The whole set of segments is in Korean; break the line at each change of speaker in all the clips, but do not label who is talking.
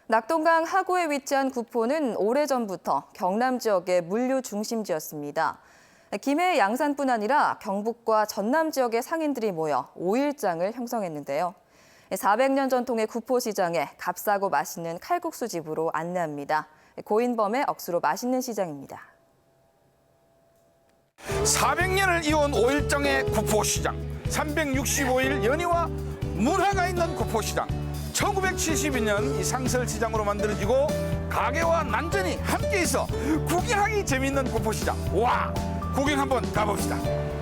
낙동강 하구에 위치한 구포는 오래전부터 경남 지역의 물류 중심지였습니다. 김해 양산뿐 아니라 경북과 전남 지역의 상인들이 모여 5일장을 형성했는데요. 400년 전통의 구포시장에 값싸고 맛있는 칼국수 집으로 안내합니다. 고인범의 억수로 맛있는 시장입니다.
400년을 이어온 5일장의 구포시장, 365일 연희와 문화가 있는 구포시장. 1972년 이 상설시장으로 만들어지고 가게와 난전이 함께 있어 구경하기 재밌는 구포시장. 와, 구경 한번 가봅시다.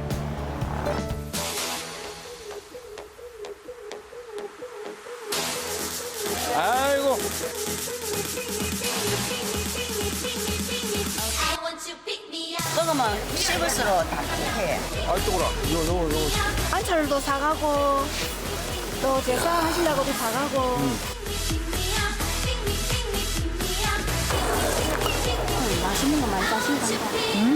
아이고.
먹으면 씹을수록 담백해.
아, 뜨거라. 이거.
반찬도 사가고 또 제사 하시려고도 사가고 맛있는 거 많이 사신다.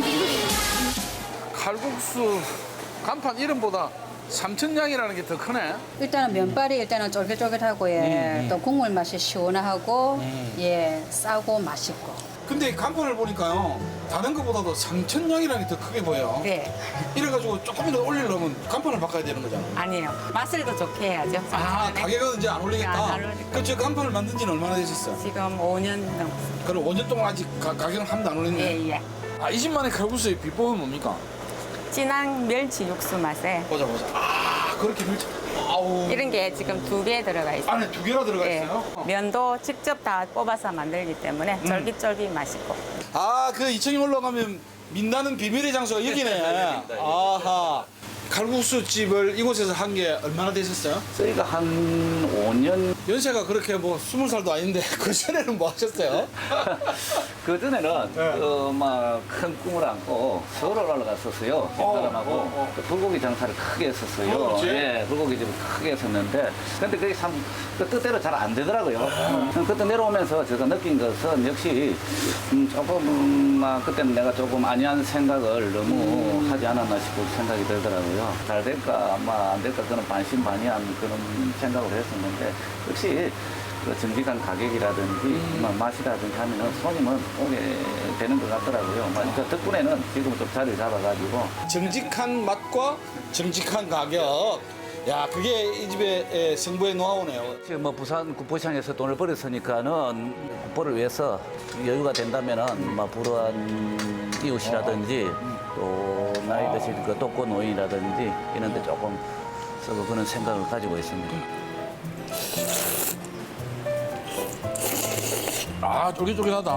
칼국수 간판 이름보다 삼천냥이라는 게 더 크네.
일단은 면발이 일단은 쫄깃쫄깃하고 예. 또 국물 맛이 시원하고 예 싸고 맛있고.
근데 간판을 보니까요, 다른 것보다도 삼천냥이라는 게 더 크게 보여요.
네.
이래가지고 조금이라도 올리려면 간판을 바꿔야 되는 거잖아요.
아니요. 맛을 더 좋게 해야죠.
아, 가게가 이제 안 올리겠다.
안 올리겠다.
그 저 간판을 만든 지는 얼마나 되셨어요?
지금 5년 넘었어요.
그럼 5년 동안 아직 가게는 한 번도 안 올렸네요.
예, 예.
아, 이 집만의 칼국수의 비법은 뭡니까?
진한 멸치 육수 맛에
보자. 아, 그렇게 밀착. 아우.
이런 게 지금 2개 들어가 있어요.
안에 2개나 들어가
예.
있어요?
면도 직접 다 뽑아서 만들기 때문에 쫄깃쫄깃 맛있고.
아, 그 2층에 올라가면 민다는 비밀의 장소가 여기네. 아하. 칼국수 집을 이곳에서 한 게 얼마나 되셨어요?
저희가 한 5년
연세가 그렇게 뭐 20살도 아닌데 그 전에는 뭐 하셨어요?
그 전에는
네.
막 큰 꿈을 안고 서울을 올라갔었어요. 집사람하고 그 불고기 장사를 크게 했었어요.
그렇지.
예, 불고기 집을 크게 했었는데 근데 그게 참 그 뜻대로 잘 안 되더라고요. 그때 내려오면서 제가 느낀 것은 역시 조금 막 그때는 내가 조금 안이한 생각을 너무 하지 않았나 싶은 생각이 들더라고요. 잘 될까 안 될까 그런 반신반의한 그런 생각을 했었는데 역시 그 정직한 가격이라든지 맛이라든지 하면은 손님은 오게 되는 것 같더라고요. 그 덕분에는 지금 좀 자리를 잡아가지고
정직한 맛과 정직한 가격. 야, 그게 이 집의 승부의 노하우네요.
지금 뭐 부산 구포시장에서 돈을 벌었으니까는 구포를 위해서 여유가 된다면은 뭐 불우한 이웃이라든지 또 나이 드신 그 독거 노인이라든지 이런 데 조금 쓰고 그런 생각을 가지고 있습니다.
아, 쫄깃쫄깃하다.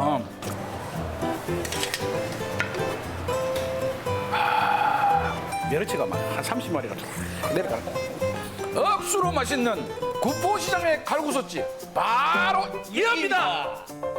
멸치가 막 한 30마리가 내려가는 거야. 억수로 맛있는 구포시장의 칼국수집 바로 이겁니다.